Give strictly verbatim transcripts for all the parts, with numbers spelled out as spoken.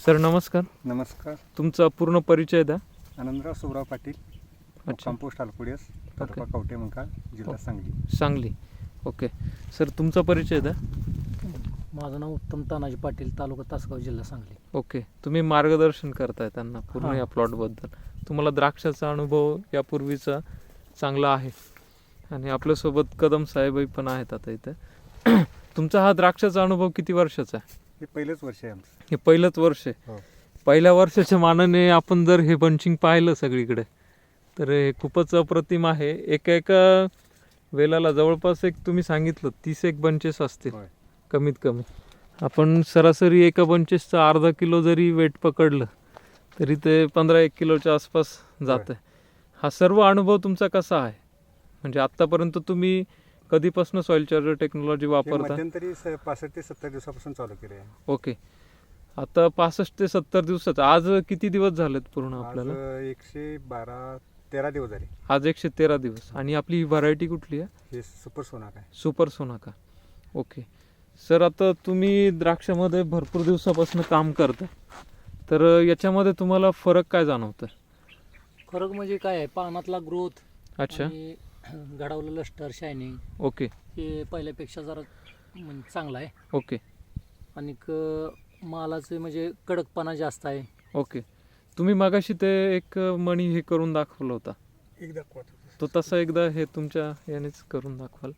Sir नमस्कार. नमस्कार. तुमचा पूर्ण परिचय द्या. आनंदराव सुब्राव पाटील, कंपोस्ट आलकुडियस, तालुका कवठे मंकाळ, जिल्हा सांगली. सांगली. ओके सर, तुमचा परिचय द्या. माझं नाव उत्तम तानाजी पाटील, तालुका तासगाव, जिल्हा सांगली. ओके, तुम्ही मार्गदर्शन करताय त्यांना पूर्ण या प्लॉटबद्दल. तुम्हाला द्राक्षाचा अनुभव यापूर्वीचा चांगला आहे आणि आपल्यासोबत कदम साहेबही पण आहेत आता इथे. तुमचा हा द्राक्षाचा अनुभव किती वर्षाचा आहे? हे पहिलंच वर्ष आहे आमचं. हे पहिलंच वर्ष आहे. पहिल्या वर्षाच्या मानाने आपण जर हे बंचिंग पाहिलं सगळीकडे तर हे खूपच अप्रतिम आहे. एका एका वेलाला जवळपास एक तुम्ही सांगितलं तीस एक बंचेस असतील कमीत कमी. आपण सरासरी एका बंचेसचा अर्धा किलो जरी वेट पकडलं तरी ते पंधरा एक किलोच्या आसपास जात आहे. हा सर्व अनुभव तुमचा कसा आहे? म्हणजे आत्तापर्यंत तुम्ही कधीपासून सॉइल चार्जर टेक्नॉलॉजी वापरता? मध्यंतरी पासष्ट ते सत्तर दिवसापासून चालू केले आहे. ओके, आता पासष्ट ते सत्तर दिवसात आज किती दिवस झालेत पूर्ण आपल्याला? एकशे बारा तेरा दिवस झाले. आज एकशे तेरा दिवस. आणि आपली ही व्हरायटी कुठली आहे? हे सुपर सोनाका आहे. सुपर सोनाका. ओके सर, आता तुम्ही द्राक्षामध्ये भरपूर दिवसापासून काम करता, तर याच्यामध्ये तुम्हाला फरक काय जाणवतं? फरक म्हणजे काय आहे, पानातला ग्रोथ, अच्छा, घडवलं लस्टर, शायनिंग, ओके, हे पहिल्यापेक्षा जरा म्हणजे चांगला आहे. ओके. आणि मालाचे म्हणजे कडकपणा जास्त आहे. ओके, तुम्ही मगाशी ते एक मणी हे करून दाखवलं होता, एक दाखवा तो तसा एकदा हे तुमच्या यानेच करून दाखवाल.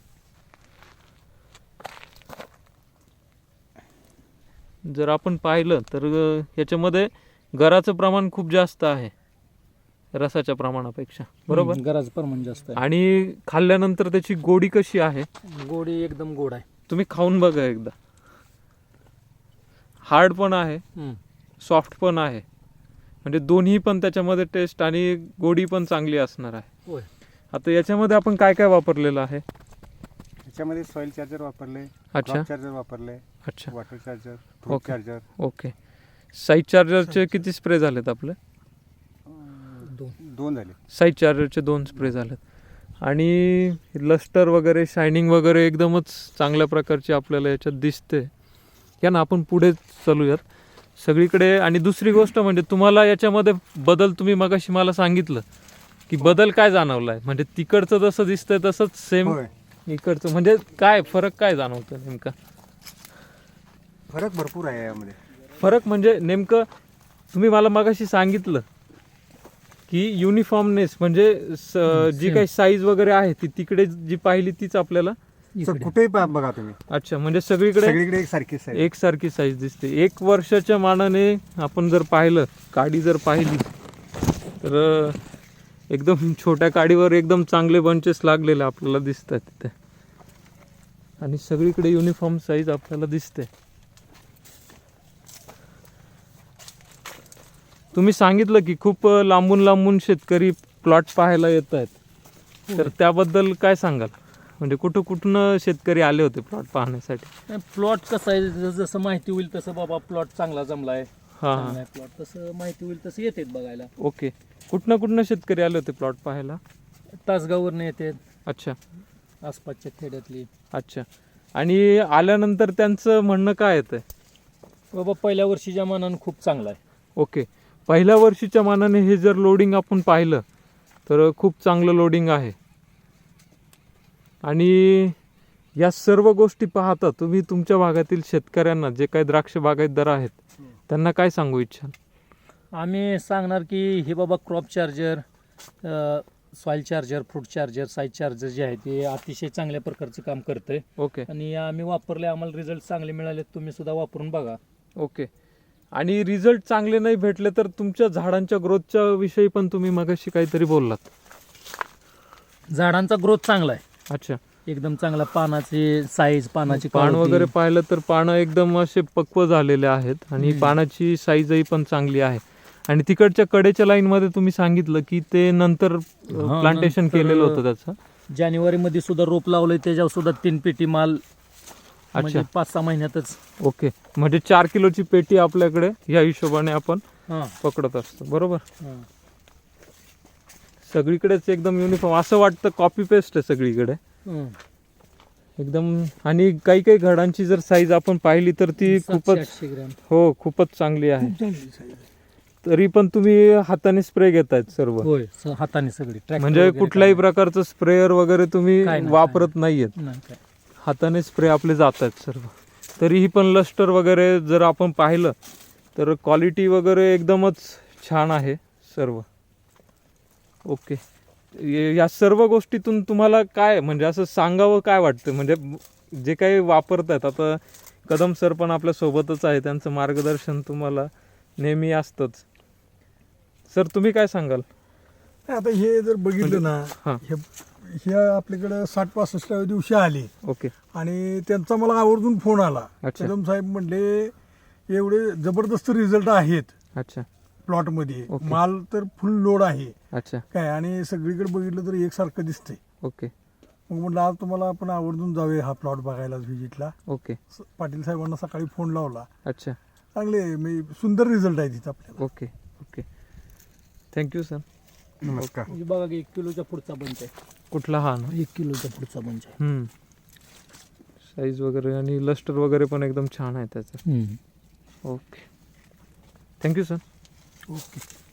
जर आपण पाहिलं तर याच्यामध्ये गराचं प्रमाण खूप जास्त आहे रसाच्या प्रमाणापेक्षा, बरोबर? गराचं प्रमाण जास्त आहे. आणि खाल्ल्यानंतर त्याची गोडी कशी आहे? गोडी एकदम गोड आहे. तुम्ही खाऊन बघा एकदा. हार्ड पण आहे, सॉफ्ट पण आहे, म्हणजे दोन्ही पण त्याच्यामध्ये टेस्ट आणि गोडी पण चांगली असणार आहे. होय. आता याच्यामध्ये आपण काय काय वापरलेलं आहे? याच्यामध्ये सॉइल चार्जर वापरले, अच्छा, चार्जर वापरले, अच्छा, water charger, fruit charger. Okay. Size चार्जरचे किती स्प्रे झालेत आपले? दोन दोन झाले. साईज चार्जरचे दोन स्प्रे झालेत. आणि लस्टर वगैरे, शायनिंग वगैरे एकदमच चांगल्या प्रकारची आपल्याला याच्यात दिसते. या ना, आपण पुढे चालूयात सगळीकडे. आणि दुसरी गोष्ट म्हणजे तुम्हाला याच्यामध्ये बदल, तुम्ही मगाशी मला सांगितलं की बदल काय जाणवला आहे, म्हणजे तिकडचं जसं दिसतंय तसंच सेम इकडचं, म्हणजे काय फरक काय जाणवतं नेमका? फरक भरपूर आहे यामध्ये. फरक म्हणजे नेमकं तुम्ही मला मगाशी सांगितलं की युनिफॉर्मनेस, म्हणजे जी काही साईज वगैरे आहे ती तिकडे जी पाहिली तीच आपल्याला कुठेही बघा तुम्ही. अच्छा, म्हणजे सगळीकडे सगळीकडे एकसारखी साईज एकसारखी साईज दिसते. एक वर्षाच्या मानाने आपण जर पाहिलं, काडी जर पाहिली तर एकदम छोट्या काडीवर एकदम चांगले बंचेस लागलेले आपल्याला दिसतात तिथे. आणि सगळीकडे युनिफॉर्म साईज आपल्याला दिसते. तुम्ही सांगितलं की खूप लांबून लांबून शेतकरी प्लॉट पाहायला येत आहेत, तर त्याबद्दल काय सांगाल? म्हणजे कुठं कुठून शेतकरी आले होते प्लॉट पाहण्यासाठी? प्लॉट कसं आहे, जसं माहिती होईल तसं बाबा प्लॉट चांगला जमलाय, हा चांगला आहे प्लॉट, तसं माहिती होईल तसं येतात बघायला. ओके, कुठनं कुठनं शेतकरी आले होते प्लॉट पाहायला? तासगाववरनं येतात, अच्छा, आसपासच्या खेड्यातली. अच्छा. आणि आल्यानंतर त्यांचं म्हणणं काय येतं? बाबा पहिल्या वर्षीच्या मानानं खूप चांगला आहे. ओके, पहिल्या वर्षीच्या मानाने हे जर लोडिंग आपण पाहिलं तर खूप चांगलं लोडिंग आहे. आणि या सर्व गोष्टी पाहता तुम्ही तुमच्या भागातील शेतकऱ्यांना, जे काही द्राक्ष बागायतदार आहेत, त्यांना काय सांगू इच्छाल? आम्ही सांगणार की हे बाबा crop charger, soil charger, fruit charger, size charger जे आहे ते अतिशय चांगल्या प्रकारचं काम करतंय. ओके. आणि आम्ही वापरले, आम्हाला रिझल्ट चांगले मिळाले. तुम्ही सुद्धा वापरून बघा. ओके. आणि रिझल्ट चांगले नाही भेटले तर तुमच्या झाडांच्या ग्रोथच्या विषयी पण तुम्ही मगाशी काहीतरी बोललात. झाडांचा ग्रोथ चांगला आहे. अच्छा, एकदम चांगला. पानाची साईज, पानाची पान वगैरे पाहिलं तर पानं एकदम असे पक्व झालेले आहेत आणि पानाची साईजही पण चांगली आहे. आणि तिकडच्या कडेच्या लाईन मध्ये तुम्ही सांगितलं की ते नंतर प्लांटेशन केलेलं होतं त्याचं. जानेवारी मध्ये सुद्धा रोप लावलंय, त्याच्यावर सुद्धा तीन पेटी माल. अच्छा, पाच सहा महिन्यातच. ओके, म्हणजे चार किलोची पेटी आपल्याकडे या हिशोबाने आपण पकडत असतो, बरोबर? सगळीकडेच एकदम युनिफॉर्म, असं वाटतं कॉपी पेस्ट आहे सगळीकडे. एकदम. आणि काही काही घडांची जर साईज आपण पाहिली तर ती सातशे खूपच आठशे ग्रॅम हो खूपच चांगली आहे. खूप चांगली size आहे. तरी पण तुम्ही हाताने स्प्रे घेतायत सर्व, होय स- हाताने सगळी ट्रॅक्टर म्हणजे वगैरे कुठल्याही काय प्रकारचं स्प्रेअर वगैरे तुम्ही काय नाही, वापरत काय नाहीयेत, नाही. नाही काय. हाताने स्प्रे आपले जात आहेत सर्व. तरीही पण लस्टर वगैरे जर आपण पाहिलं तर क्वालिटी वगैरे एकदमच छान आहे सर्व. ओके. ये- या सर्व गोष्टीतून तुम्हाला काय म्हणजे असं सांगावं काय वाटतं, म्हणजे जे काही वापरतात आता कदम सर पण आपल्या सोबतच आहे, त्यांचं मार्गदर्शन तुम्हाला नेहमी असतंच. सर तुम्ही काय सांगाल? नाही, आता हे जर बघितलं ना हां. हे हे आपल्याकडं साठ पासष्टाव्या दिवशी आले ओके. आणि त्यांचा मला आवर्जून फोन आला. अच्छा. कदम साहेब म्हणले एवढे जबरदस्त रिझल्ट आहेत अच्छा प्लॉटमध्ये, ओके. माल तर फुल लोड आहे अच्छा. काय, आणि सगळीकडे बघितलं तर एकसारखं दिसतंय. ओके. मग म्हटलं आज तुम्हाला आपण आवर्जून जाऊया हा प्लॉट बघायला व्हिजिटला. ओके. पाटील साहेबांना सकाळी फोन लावला. अच्छा. चांगले म्हणजे सुंदर रिझल्ट आहे तिथं आपल्याला. ओके. ओके. Thank you sir. नमस्कार. म्हणजे बघा की एक किलोच्या पुढचा बंच आहे, कुठला हा ना? एक किलोच्या पुढचा बंच आहे. साईज वगैरे आणि लस्टर वगैरे पण एकदम छान आहे त्याचं. ओके. Thank you sir. ओके.